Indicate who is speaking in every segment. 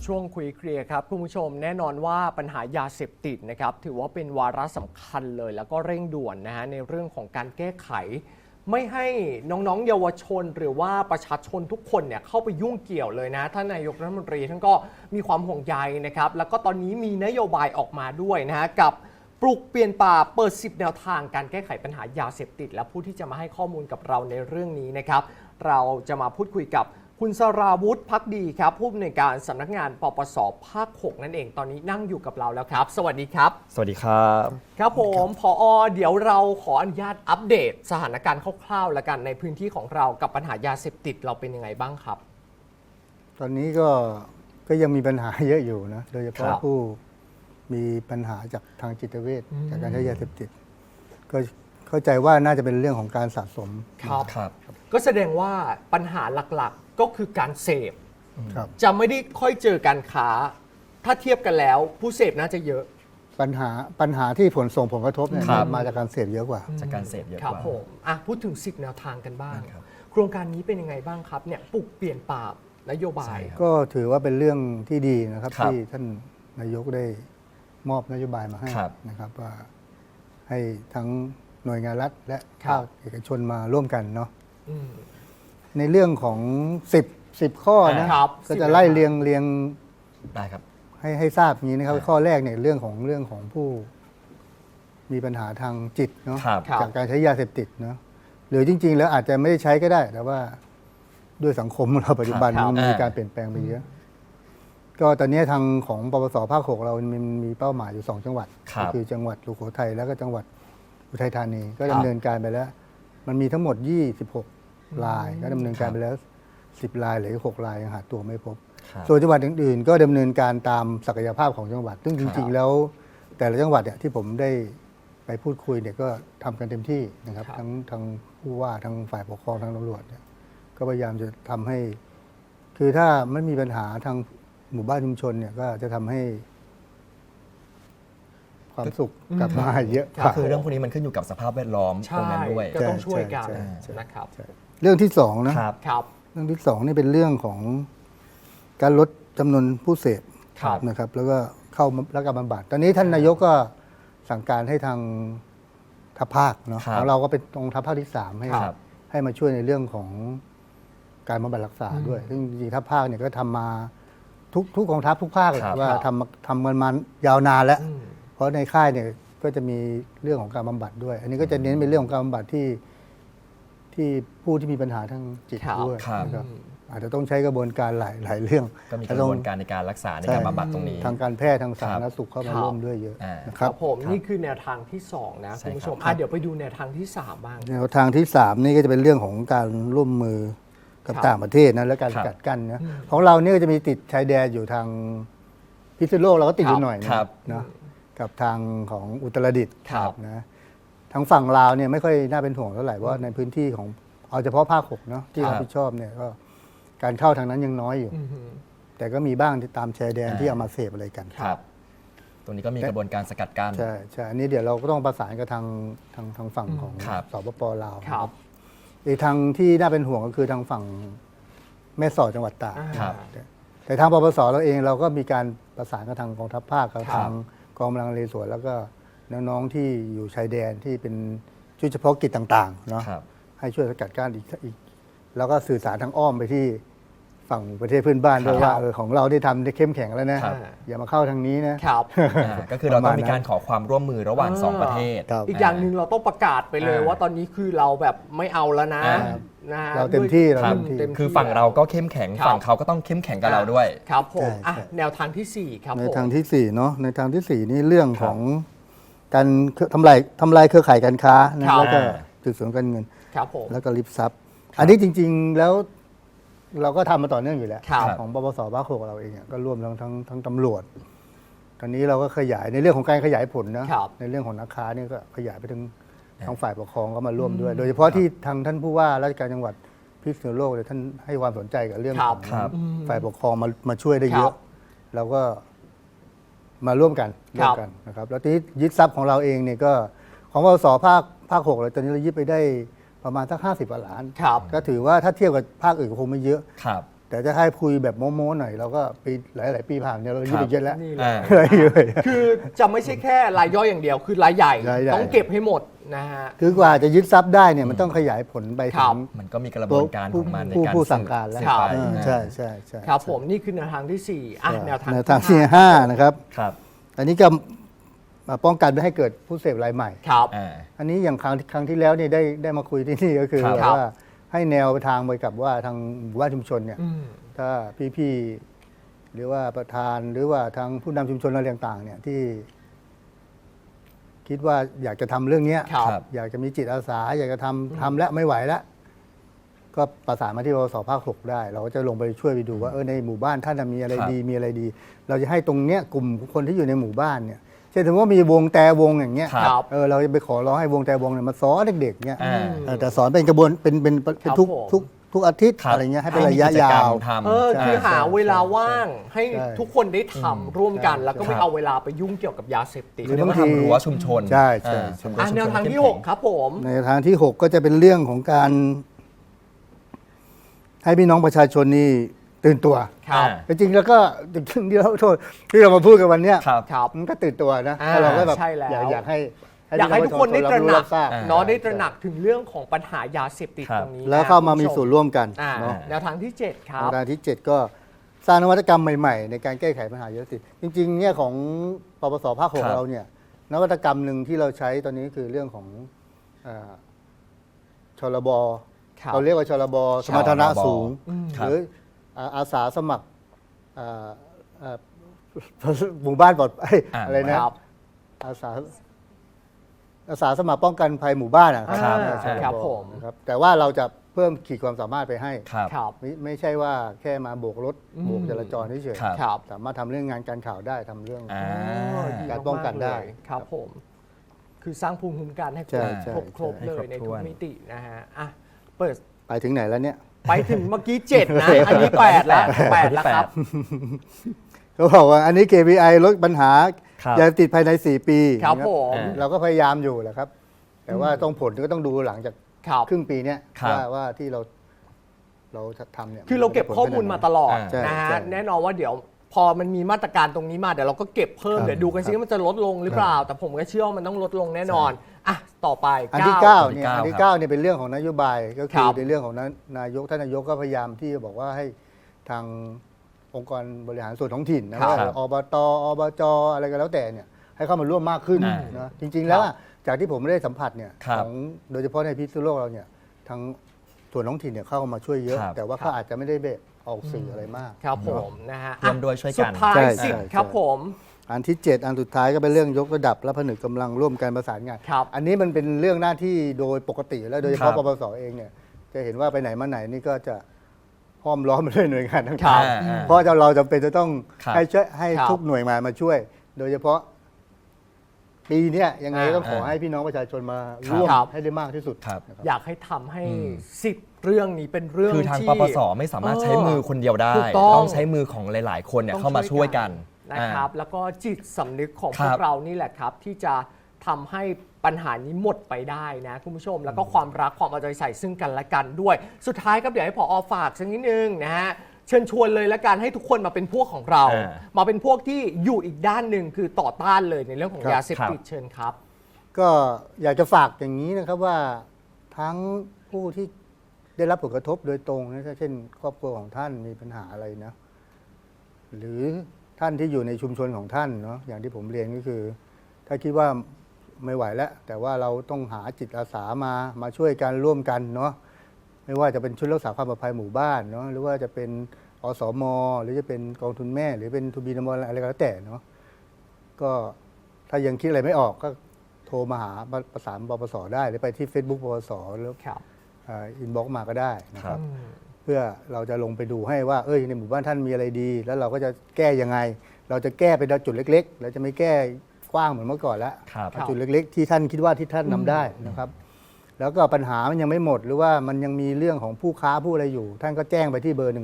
Speaker 1: ช่วงคุยเคลียร์ครับคุณผู้ชมแน่นอนว่าปัญหายาเสพติดนะครับถือว่าเป็นวาระสำคัญเลยแล้วก็เร่งด่วนนะฮะในเรื่องของการแก้ไข ไม่ให้น้องๆเยาวชนหรือว่าประชาชนทุกคนเนี่ยเข้าไปยุ่งเกี่ยวเลยนะท่านนายกรัฐมนตรีท่านก็มีความห่วงใยนะครับแล้วก็ตอนนี้มีนโยบายออกมาด้วยนะฮะกับปลูกเปลี่ยนป่าเปิด10แนวทางการแก้ไขปัญหายาเสพติดและผู้ที่จะมาให้ข้อมูลกับเราในเรื่องนี้นะครับเราจะมาพูดคุยกับคุณสราวุฒิภักดีครับผู้อำนวยการสำนักงานปปสภาค 6 นั่นเองตอนนี้นั่งอยู่กับเราแล้วครับสวัสดีครับ
Speaker 2: สวัสดีครับ
Speaker 1: ครับผมผอ.เดี๋ยวเราขออนุญาตอัปเดตสถานการณ์คร่าวๆแล้วกันในพื้นที่ของเรากับปัญหายาเสพติดเราเป็นยังไงบ้างครับ
Speaker 3: ตอนนี้ก็ยังมีปัญหาเยอะอยู่นะโดยเฉพาะผู้มีปัญหาจากทางจิตเวชจากการใช้ยาเสพติดก็เข้าใจว่าน่าจะเป็นเรื่องของการสะสม
Speaker 1: ครับก็แสดงว่าปัญหาหลักๆก็คือการเสพจะไม่ได้ค่อยเจอการค้าถ้าเทียบกันแล้วผู้เสพน่าจะเยอะ
Speaker 3: ปัญหาที่ส่งผลกระทบเนี่ยมาจากการเสพเยอะกว่า
Speaker 2: จากการเสพเยอะกว่า
Speaker 1: ครับผมพูดถึง10แนวทางกันบ้างโครงการนี้เป็นยังไงบ้างครับเนี่ยปลูกเปลี่ยนป่านโยบาย
Speaker 3: ก็ถือว่าเป็นเรื่องที่ดีนะครับที่ท่านนายกได้มอบนโยบายมาให้นะครับว่าให้ทั้งหน่วยงานรัฐและภาคเอกชนมาร่วมกันเนาะในเรื่องของ10ข้อนะก็จะไล่เรียง
Speaker 2: ได้ครับ
Speaker 3: ให้ทราบอย่างนี้นะครับข้อแรกเนี่ยเรื่องของผู้มีปัญหาทางจิตเนาะจากการใช้ยาเสพติดเนาะหรือจริงๆแล้วอาจจะไม่ได้ใช้ก็ได้แต่ว่าด้วยสังคมเราปัจจุบันมันมีการเปลี่ยนแปลงไปเยอะก็ตอนนี้ทางของปปสภาค 6เรามีเป้าหมายอยู่2จังหวัดก็คือจังหวัดสุโขทัยแล้วก็จังหวัดอุทัยธานีก็ดำเนินการไปแล้วมันมีทั้งหมด26รายก็ดำเนินการไปแล้ว10รายเหลือ6รายยังหาตัวไม่พบส่วนจังหวัดอื่นๆก็ดำเนินการตามศักยภาพของจังหวัดซึ่งจริงๆแล้วแต่ละจังหวัดเนี่ยที่ผมได้ไปพูดคุยเนี่ยก็ทำกันเต็มที่นะครับทั้งผู้ว่าทั้งฝ่ายปกครองทั้งตำรวจเนี่ยก็พยายามจะทำให้คือถ้าไม่มีปัญหาทางหมู่บ้านชุมชนเนี่ยก็จะทำให้ความสุขกลับมาเยอะ
Speaker 2: ก็คือเรื่องพวกนี้มันขึ้นอยู่กับสภาพแวดล้อมตรงนั้นด้วย
Speaker 1: ก็ต้องช่วยกันนะครับ
Speaker 3: เรื่องที่2นะครับเรื่องที่2นี่เป็นเรื่องของการลดจำนวนผู้เสพนะครับแล้วก็เข้ารับการบำบัดตอนนี้ท่านนายกก็สั่งการให้ทางทัพภาคเนาะของเราก็เป็นตรงทัพภาคที่3ให้มาช่วยในเรื่องของการบำบัดรักษาด้วยซึ่งจริงๆทัพภาคเนี่ยก็ทำมาทุกกองทัพทุกภาคเลยว่าทำกันมายาวนานแล้วเพราะในค่ายเนี่ยก็จะมีเรื่องของการบำบัดด้วย อันนี้ก็จะเน้นเป็นเรื่องของการบำบัดที่ผู้ที่มีปัญหาทางจิตด้วยนะครับอาจจะต้องใช้กระบวนการหลายเรื่อง
Speaker 2: ก็มีกระบวนการในการรักษาในการบำบัดตรงนี้
Speaker 3: ทางการแพทย์ทางสาธารณสุขเข้ามาร่วมด้วยเยอะ
Speaker 1: นะครับผมนี่คือแนวทางที่2นะคุณผู้ชมเดี๋ยวไปดูแนวทางที่3บ้าง
Speaker 3: แนวทางที่3นี่ก็จะเป็นเรื่องของการร่วมมือกับต่างประเทศนะและการสกัดกั้นนะของเราเนี่ยก็จะมีติดชายแดนอยู่ทางพิษณุโลกเราก็ติดอยู่หน่อยนะกับทางของอุตรดิตถ์นะทางฝั่งลาวเนี่ยไม่ค่อยน่าเป็นห่วงเท่าไหร่เพราะในพื้นที่ของเอาเฉพาะภาค 6เนาะที่รับผิดชอบเนี่ยก็การเข้าทางนั้นยังน้อยอยู่แต่ก็มีบ้างที่ตามชายแดนที่เอามาเสพอะไรกัน
Speaker 2: ครับตรงนี้ก็มีกระบวนการสกัดกั้น
Speaker 3: ใช่อันนี้เดี๋ยวเราก็ต้องประสานกับทางฝั่งของสปป.ลาวอีกทางที่น่าเป็นห่วงก็คือทางฝั่งแม่สอดจังหวัดตากแต่ทางปปสเราเองเราก็มีการประสานกับทางกองทัพภาคกับทางกองกำลังนเรศวรแล้วก็น้องๆที่อยู่ชายแดนที่เป็นชุดเฉพาะกิจต่างๆเนาะให้ช่วยสกัดกั้นอีกแล้วก็สื่อสารทางอ้อมไปที่ฝั่งประเทศเพื่อนบ้านด้วยว่าของเราได้ทำได้เข้มแข็งแล้วนะอย่ามาเข้าทางนี้นะ
Speaker 2: ก็คือเราต้องมีการขอความร่วมมือระหว่าง2ประเทศ
Speaker 1: อีกอย่างหนึ่งเราต้องประกาศไปเลยว่าตอนนี้คือเราแบบไม่เอาแล้วนะ
Speaker 3: เราเต็มที่
Speaker 2: คือฝั่งเราก็เข้มแข็งฝั่งเขาก็ต้องเข้มแข็งกับเราด้วย
Speaker 1: ครับผมแนวทางที่4ครับ
Speaker 3: ในทางที่4เนาะในทางที่4นี่เรื่องของการทำลายเครือข่ายการค้านะแล้วก็สืบสวนการเงินแล้วก็ริบทรัพย์อันนี้จริงๆแล้วเราก็ทำมาต่อเนื่องอยู่แล้วของปปสภาค 6เราเองก็ร่วมทั้งตำรวจตอนนี้เราก็ขยายในเรื่องของการขยายผลนะในเรื่องของนักค้านี่ก็ขยายไปถึงทางฝ่ายปกครองก็มาร่วมด้วยโดยเฉพาะที่ทางท่านผู้ว่าราชการจังหวัดพิษณุโลกเลยท่านให้ความสนใจกับเรื่องของฝ่ายปกครองมาช่วยได้เยอะเราก็มาร่วมกันนะครับแล้วที่ยึดทรัพย์ของเราเองเนี่ยก็ของปปสภาค 6เลยตอนนี้เรายึดไปได้ประมาณสัก50 กว่าล้านก็ถือว่าถ้าเทียบกับภาคอื่นก็คงไม่เยอะแต่จะให้คุยแบบโม้ๆหน่อยเราก็ปีหลายๆปีผ่านเนี่ยเราอายุไปเยอะแล้ว
Speaker 1: นี่แหละ
Speaker 2: อ่า
Speaker 1: คือจะไม่ใช่แค่รายย่อยอย่างเดียว คือรายใหญ่
Speaker 3: รายใหญ่
Speaker 1: ต้องเก็บให้หมดนะฮะ
Speaker 3: คือกว่าจะยึดทรัพย์ได้เนี่ยมันต้องขยายผลไป
Speaker 1: ครั
Speaker 3: ถึ
Speaker 1: บ
Speaker 3: ง
Speaker 2: มันก็มีกระบวนการของมันในการ
Speaker 3: ผู้สั่งการแล้ว
Speaker 2: สืบไป
Speaker 3: ใช่ใช่ใช่
Speaker 1: ครับผมนี่คือแนวทางที่ 4อ่ะแนวทาง
Speaker 3: แนวทางที่ห้านะครับ
Speaker 2: ครับ
Speaker 3: อันนี้ก็มาป้องกันไม่ให้เกิดผู้เสพรายใหม่
Speaker 1: ครับ
Speaker 2: อ่า
Speaker 3: อันนี้อย่างครั้งที่แล้วเนี่ยได้มาคุยที่นี่ก็คือ
Speaker 2: ครับ
Speaker 3: ว่าให้แนวทางไปกับว่าทางหมู่บ้านชุมชนเนี่ย
Speaker 1: อืม
Speaker 3: ถ้าพี่ๆหรือว่าประธานหรือว่าทางผู้นำชุมชนอะไรต่างๆเนี่ยที่ คิดว่าอยากจะทำเรื่องเนี้ย
Speaker 1: ครับ
Speaker 2: ครับ
Speaker 3: อยากจะมีจิตอาสา อยากจะทำแล้วไม่ไหวแล้ว ก็ประสานมาที่ปปสภาค 6 ได้ เราก็จะลงไปช่วยไปดูว่าในหมู่บ้านท่านมีอะไร
Speaker 2: ครับ
Speaker 3: ดีมีอะไรดี เราจะให้ตรงเนี้ยกลุ่มคนที่อยู่ในหมู่บ้านเนี่ยเช่นสมมติว่ามีวงแต่วงอย่างเงี้ย
Speaker 1: ครับ
Speaker 3: เราจะไปขอร้องให้วงแต่วงเนี่ยมาสอนเด็กๆเนี่ย
Speaker 2: อ่า
Speaker 3: แต่สอนเป็นกระบวนเป็น
Speaker 1: ครับ
Speaker 3: ทุก
Speaker 1: ผม
Speaker 3: ทุกอาทิตย์
Speaker 2: ครับ
Speaker 3: อะไรเงี้ยให้เป็นระยะ
Speaker 2: มีกิจ
Speaker 3: ยาก
Speaker 2: รร
Speaker 3: ว
Speaker 2: มทำ
Speaker 1: คือ
Speaker 3: ใช่
Speaker 1: หาเวลาว่างให้
Speaker 3: ใช่
Speaker 1: ทุกคนได้ทำร่วมกัน
Speaker 3: ใช่
Speaker 1: แล้วก็ไม่
Speaker 2: ครับ
Speaker 1: เอาเวลาไปยุ่งเกี่ยวกับยาเสพติด
Speaker 3: หรื
Speaker 2: เรียกว่า
Speaker 3: บางที
Speaker 2: ทำรั้วชุมชน
Speaker 3: ใช่ใช่
Speaker 2: อ่า
Speaker 3: ใช่
Speaker 2: ทำรั้วชุมชน
Speaker 1: แนวทางที่
Speaker 2: เข้มแข็
Speaker 1: 6 ครับผม
Speaker 3: ในทางที่ 6 ก็จะเป็นเรื่องของการ ให้พี่น้องประชาชนนี่ตื่นตัว
Speaker 1: ครับ
Speaker 3: จริงๆแล้วก็ที่เราโทษที่เรามาพูดกันวันเนี้ย
Speaker 2: ครับ
Speaker 1: ครับ
Speaker 3: มันก็ตื่นตัวนะ
Speaker 1: อ่า
Speaker 3: แต่เราก็แบบ
Speaker 1: ใช่แล้ว
Speaker 3: อยากให้
Speaker 1: อยากให้ทุกคนได้ตระหนัก
Speaker 3: ทราบ
Speaker 1: เนาะได้ตระหนักถึงเรื่องของปัญหายาเสพติด
Speaker 2: ครับ
Speaker 1: ตรงนี้
Speaker 3: แล้วเข้ามามีส่วนร่วมกัน
Speaker 1: อ่า
Speaker 3: เนาะ
Speaker 1: แนวทางที่ 7 ครั
Speaker 3: แน
Speaker 1: บ
Speaker 3: วทางที่ 7 ก็สร้างนวัตกรรมใหม่ๆ ในการแก้ไขปัญหายาเสพติดจริงๆเนี่ยของปปสภาค
Speaker 2: ครับ
Speaker 3: 6เราเนี่ยนวัตกรรมหนึ่งที่เราใช้ตอนนี้คือเรื่องของชลบ
Speaker 1: ครับ
Speaker 3: เราเรียกว่าชลบสมรรถนะสูง
Speaker 2: ครับ
Speaker 3: หรืออาสาสมัครอ่าอ่าหมู่บ้านปลอดภัย
Speaker 2: อ่า
Speaker 3: อะไรนะครับ อาสาสมัครป้องกันภัยหมู่บ้านอะ
Speaker 1: อ่า
Speaker 3: ชล
Speaker 1: ครับผม
Speaker 3: นะครับแต่ว่าเราจะเพิ่มขีดความสามารถไปให้
Speaker 2: ครับ
Speaker 1: ครับ
Speaker 3: ไม่ใช่ว่าแค่มาโบกรถ
Speaker 1: อืม
Speaker 3: โบกจราจรเฉย
Speaker 2: ครับ
Speaker 1: ครับ
Speaker 3: สามารถทำเรื่องงานการข่าวได้ทำเรื่อง
Speaker 2: อ่า
Speaker 1: ดี
Speaker 3: การป้องกันได้
Speaker 1: มากๆเลยครับผม คือสร้างภูมิคุ้มกันให้ค
Speaker 3: ใช่
Speaker 1: รบ
Speaker 3: ใช่
Speaker 1: ครบ
Speaker 3: ใช่
Speaker 1: เลย
Speaker 2: ให้
Speaker 1: ใน
Speaker 2: ครบ
Speaker 1: ทุ
Speaker 2: ถ้
Speaker 1: ก
Speaker 2: วน
Speaker 1: มิตินะฮะอ่ะเปิด
Speaker 3: ไปถึงไหนแล้วเนี่ย
Speaker 1: ไปถึงเมื่อกี้ 7 นะ อันนี้ 8 แล้ว 8 แล้วครับ
Speaker 3: เขาบอกว่าอันนี้ KPI ลดปัญหา
Speaker 2: ครับ
Speaker 3: ยาเสพติดภายใน 4 ปี
Speaker 1: ครับ
Speaker 3: นะ
Speaker 1: ผม
Speaker 3: เราก็พยายามอยู่แหละครับ แต่ว่าต้องผลก็ต้องดูหลังจาก
Speaker 1: ครับ
Speaker 3: ครึ่งปีเนี้ย
Speaker 2: ครับ
Speaker 3: ว่าที่เราทำเนี่ย
Speaker 1: คือเราเก็บข้อมูลมาตลอด
Speaker 3: ใช่
Speaker 1: นะ
Speaker 3: ใช่
Speaker 1: ฮะแน่นอนว่าเดี๋ยวพอมันมีมาตรการตรงนี้มาเดี๋ยวเราก็เก็บเพิ่ม
Speaker 3: ครับ
Speaker 1: เดี๋ยวดูกันซิว่ามันจะลดลงหรือเปล่า แต่ผมก็เชื่อว่ามันต้องลดลงแน่นอนอ่ะต่อไป
Speaker 3: อันที่
Speaker 1: 9
Speaker 3: 9เนี่ยอันที่ 9เนี่ยเป็นเรื่องของนโยบายก็
Speaker 1: ค
Speaker 3: คื
Speaker 1: รั
Speaker 3: อบ ในเรื่องของนายกท่านนายกก็พยายามที่จะบอกว่าให้ทางองค์กรบริหารส่วนท้องถิ่นนะครับ ว่าอบตอบจอะไรก็แล้วแต่เนี่ยให้เข้ามาร่วมมากขึ้น
Speaker 2: อ่า
Speaker 3: นะจริง ๆ แล้วอะจากที่ผมได้สัมผัสเนี่ย
Speaker 2: ครับ
Speaker 3: ของโดยเฉพาะในพิษณุโลกเราเนี่ยทางส่วนท้องถิ่นเนี่ยเข้ามาช่วยเยอะ
Speaker 2: ครับ
Speaker 3: แต่ว่าเขาอาจจะไม่ได้แบบออกสื่ออะไรมาก
Speaker 1: ครับผมนะฮะ
Speaker 2: ร่วมด้วยช่วยกัน
Speaker 1: สุดท้าย
Speaker 3: ใช่
Speaker 1: สิบ
Speaker 3: ใช่
Speaker 1: ครับผม
Speaker 3: อันที่ 7 อันสุดท้ายก็เป็นเรื่องยกระดับและผนึกกำลังร่วมกันประสานงาน
Speaker 1: ครับ
Speaker 3: อันนี้มันเป็นเรื่องหน้าที่โดยปกติแล้วโดยเฉ
Speaker 2: ครั
Speaker 3: พาะ
Speaker 2: บ
Speaker 3: ปปสเองเนี่ยจะเห็นว่าไปไหนมาไหนนี่ก็จะห้อมล้อมไปด้วยหน่วยงาน
Speaker 1: ครั
Speaker 3: ต่าง
Speaker 1: บ
Speaker 3: ๆเพราะเราจำเป็นจะต้อง
Speaker 2: ครับ
Speaker 3: ให้ช่วยให้
Speaker 1: ครับ
Speaker 3: ทุกหน่วยงานมาช่วย โดยเฉพาะปีเนี้ยยังไงก็ต้องขอ
Speaker 2: อ่า
Speaker 3: ให้พี่น้องประชาชนมาร่วม
Speaker 1: ครับ
Speaker 3: ให้ได้มากที่สุด
Speaker 2: ครับ
Speaker 3: นะครับ
Speaker 1: อยากให้ทำให้
Speaker 2: อืม
Speaker 1: 10 เรื่องนี้เป็นเรื่อง
Speaker 2: คือทาง
Speaker 1: ที่
Speaker 2: ปปสไม่สามารถใช้มือคนเดียวได้
Speaker 1: ถูกต้อง
Speaker 2: ใช้มือของหลาย ๆ คนเนี่ย
Speaker 1: ต้อง
Speaker 2: เข้ามาช่วยกัน
Speaker 1: นะครับแล้วก็จิตสำนึกของ
Speaker 2: ค
Speaker 1: พ
Speaker 2: รั
Speaker 1: ว
Speaker 2: บ
Speaker 1: กเรานี่แหละครับ ที่จะทำให้ปัญหานี้หมดไปได้นะคุณผู้ชม แล้วก็ความรักความเอาใจใส่ซึ่งกันและกันด้วย สุดท้ายครับเดี๋ยวให้ผอฝากสักนิดนึงนะฮะเชิญชวนเลยละกันให้ทุกคนมาเป็นพวกของเรา มาเป็นพวกที่อยู่อีกด้านหนึ่งคือต่อต้านเลยในเรื่องของ
Speaker 3: ครับ
Speaker 1: ยาเสพติดเชิญครับ
Speaker 3: ก็อยากจะฝากอย่างนี้นะครับว่าทั้งผู้ที่ได้รับผลกระทบโดยตรงนะเช่น ครอบครัวของท่านมีปัญหาอะไรนะ หรือท่านที่อยู่ในชุมชนของท่านเนาะอย่างที่ผมเรียนก็คือ ถ้าคิดว่าไม่ไหวแล้ว แต่ว่าเราต้องหาจิตอาสามาช่วยกันร่วมกันเนาะไม่ว่าจะเป็นชุดรักษาความปลอดภัยหมู่บ้านเนาะหรือว่าจะเป็นอสม หรือจะเป็นกองทุนแม่ หรือเป็นทูบีนมอะไรก็แล้วแต่เนาะก็ถ้ายังคิดอะไรไม่ออกก็โทรมาหาประสานปปสได้ หรือไปที่ Facebook ปปสแล้ว
Speaker 1: ครับ
Speaker 3: อินบ็อกมาก็ได้นะค
Speaker 2: ครั
Speaker 3: รับ
Speaker 2: บ
Speaker 3: เพื่อเราจะลงไปดูให้ว่าในหมู่บ้านท่านมีอะไรดี แล้วเราก็จะแก้ยังไง เราจะแก้ไปจุดเล็กๆเราจะไม่แก้กว้างเหมือนเมื่อก่อนแล้ว
Speaker 2: ครับ
Speaker 3: เอาจุดเล็กๆ ที่ท่านคิดว่าที่ท่านนำได้นะครับ แล้วก็ปัญหามันยังไม่หมด หรือว่ามันยังมีเรื่องของผู้ค้าผู้อะไรอยู่ ท่านก็แจ้งไปที่เบอร์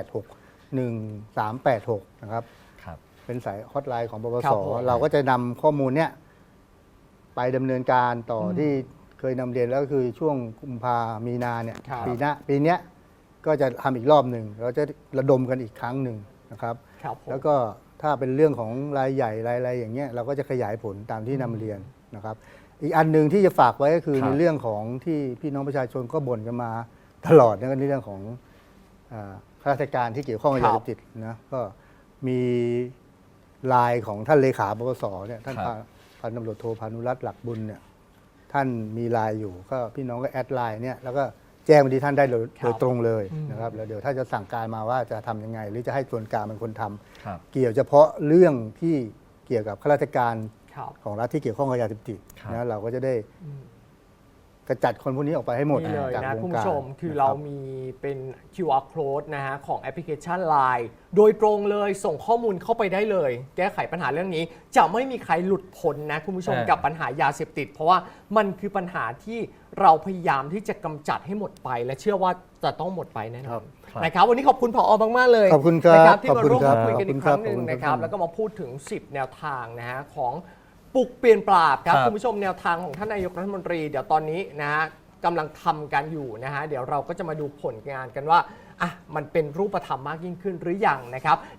Speaker 3: 1386 นะครับ
Speaker 2: ครับ
Speaker 3: เป็นสายฮอตไลน์ของปป
Speaker 1: ครั
Speaker 3: ส
Speaker 1: บผม
Speaker 3: เราก็จะนำข้อมูลเนี้ยไปดำเนินการต่อที่เคยนำเรียนแล้วก็คือช่วงกุมภามีนาเนี่ย
Speaker 1: ครับ
Speaker 3: ปีเนี้ยก็จะทำอีกรอบหนึ่งเราจะระดมกันอีกครั้งหนึ่งนะครับ
Speaker 1: ครับผม
Speaker 3: แล้วก็ถ้าเป็นเรื่องของรายใหญ่รายอะไรอย่างเงี้ยเราก็จะขยายผลตามที่นำเรียนนะครับ อีกอันหนึ่งที่จะฝากไว้ก็คือ
Speaker 2: ครับ
Speaker 3: ในเรื่องของที่พี่น้องประชาชนก็บ่นกันมาตลอดนะในเรื่องของข้าราชการที่เกี่ยวข้องกับ
Speaker 1: ครั
Speaker 3: ยา
Speaker 1: บ
Speaker 3: เสพติดนะก็มีไลน์ของท่านเลขาปปสเนี่ยท่าน
Speaker 2: ครับ
Speaker 3: พันตำรวจโทพานุรัตน์หลักบุญเนี่ยท่านมีไลน์อยู่ก็พี่น้องก็แอดไลน์เนี่ยแล้วก็แจ้งไปที่ท่านได้โดยตรงเลยนะครับแล้วเดี๋ยวถ้าจะสั่งการมาว่าจะทำยังไง หรือจะให้ส่วนกลางเป็นคนทำ
Speaker 2: ครับ
Speaker 3: เกี่ยวเฉพาะเรื่องที่เกี่ยวกับข้าราชการ
Speaker 1: ครับ
Speaker 3: ของรัฐที่เกี่ยวข้องกับยาเสพติด
Speaker 2: ครับ
Speaker 3: นะเราก็จะได้กระจัดคนพวกนี้ออกไปให้หมด
Speaker 1: นี่เลย
Speaker 3: จาก
Speaker 1: นะ
Speaker 3: วง
Speaker 1: คุณ
Speaker 3: การ
Speaker 1: ผู้ชมคือ
Speaker 3: นะ
Speaker 1: เรา
Speaker 3: บ
Speaker 1: มีเป็น QR code นะฮะของแอปพลิเคชัน Line โดยตรงเลยส่งข้อมูลเข้าไปได้เลย แก้ไขปัญหาเรื่องนี้ จะไม่มีใครหลุดพ้นนะคุณผู้ชม
Speaker 2: อ่ากั
Speaker 1: กับปัญหายาเสพติด เพราะว่ามันคือปัญหาที่เราพยายามที่จะกำจัดให้หมดไป และเชื่อว่าจะต้องหมดไปแน่นอนนะครับวันนี้ขอบคุณผอมากๆเลย
Speaker 3: ขอบคุณครับ
Speaker 1: นะที่มาร่วม
Speaker 3: ขอบ
Speaker 1: พูด
Speaker 3: คุณ
Speaker 1: คุยกันอีก
Speaker 3: ค
Speaker 1: ครับ รั้งหนึ่ง
Speaker 3: ขอบคุณ
Speaker 1: นะครับ
Speaker 3: ครับ
Speaker 1: แล้วก็มาพูดถึง 10 แนวทางนะฮะของปลุกเปลี่ยนปราบครับ
Speaker 2: ครับ
Speaker 1: คุณผู้ชมแนวทางของท่านนายกรัฐมนตรีเดี๋ยวตอนนี้นะฮะกำลังทำกันอยู่นะฮะเดี๋ยวเราก็จะมาดูผลงานกันว่าอ่ะมันเป็นรูปธรรมมากยิ่งขึ้นหรือยังนะครับ